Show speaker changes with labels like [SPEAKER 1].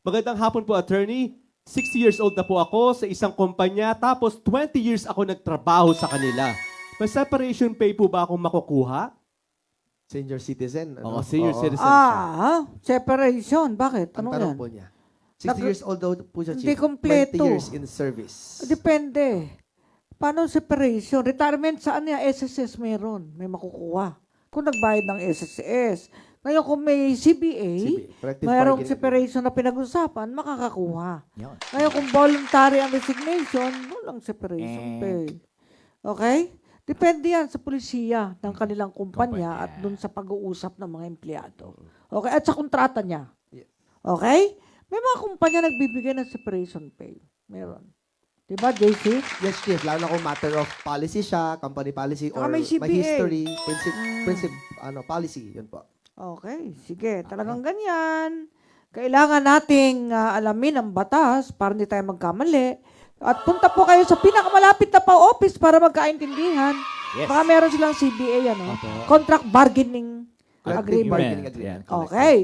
[SPEAKER 1] Magandang hapon po, attorney. 60 years old na po ako sa isang kumpanya, tapos 20 years ako nagtrabaho sa kanila. May separation pay po ba akong makukuha?
[SPEAKER 2] Senior citizen.
[SPEAKER 1] Oo, senior citizen.
[SPEAKER 3] Separation. Bakit?
[SPEAKER 2] Ang
[SPEAKER 3] Ano
[SPEAKER 2] tanong
[SPEAKER 3] yan?
[SPEAKER 2] po niya. 60 years old daw po siya, Chief.
[SPEAKER 3] Hindi kompleto.
[SPEAKER 2] 20 years in service.
[SPEAKER 3] Depende. Paano separation? Retirement saan niya? SSS meron. May makukuha. Kung nagbayad ng SSS. Ngayon kung may CBA,
[SPEAKER 2] Collective
[SPEAKER 3] mayroong
[SPEAKER 2] bargaining
[SPEAKER 3] separation na pinag-usapan, makakakuha.
[SPEAKER 4] Yun.
[SPEAKER 3] Ngayon kung voluntary ang resignation, walang separation pay. Okay? Depende yan sa pulisya ng kanilang kumpanya at dun sa pag-uusap ng mga empleyado. Okay? At sa kontrata niya.
[SPEAKER 2] Yes.
[SPEAKER 3] Okay? May mga kumpanya nagbibigay ng separation pay. Meron. Diba, JC?
[SPEAKER 2] Yes, Chief. Lalo na kung matter of policy siya, company policy,
[SPEAKER 3] Saka
[SPEAKER 2] or
[SPEAKER 3] may
[SPEAKER 2] may
[SPEAKER 3] CBA.
[SPEAKER 2] history, policy. Yun po.
[SPEAKER 3] Okay, sige. Talagang ganyan. Kailangan nating alamin ang batas para hindi tayo magkamali. At punta po kayo sa pinakamalapit na pa-office para magkaintindihan.
[SPEAKER 4] Yes.
[SPEAKER 3] Baka meron silang CBA, ano?
[SPEAKER 1] Opo.
[SPEAKER 3] Contract bargaining
[SPEAKER 2] Collective
[SPEAKER 3] agreement.
[SPEAKER 2] bargaining agreement.
[SPEAKER 3] Okay.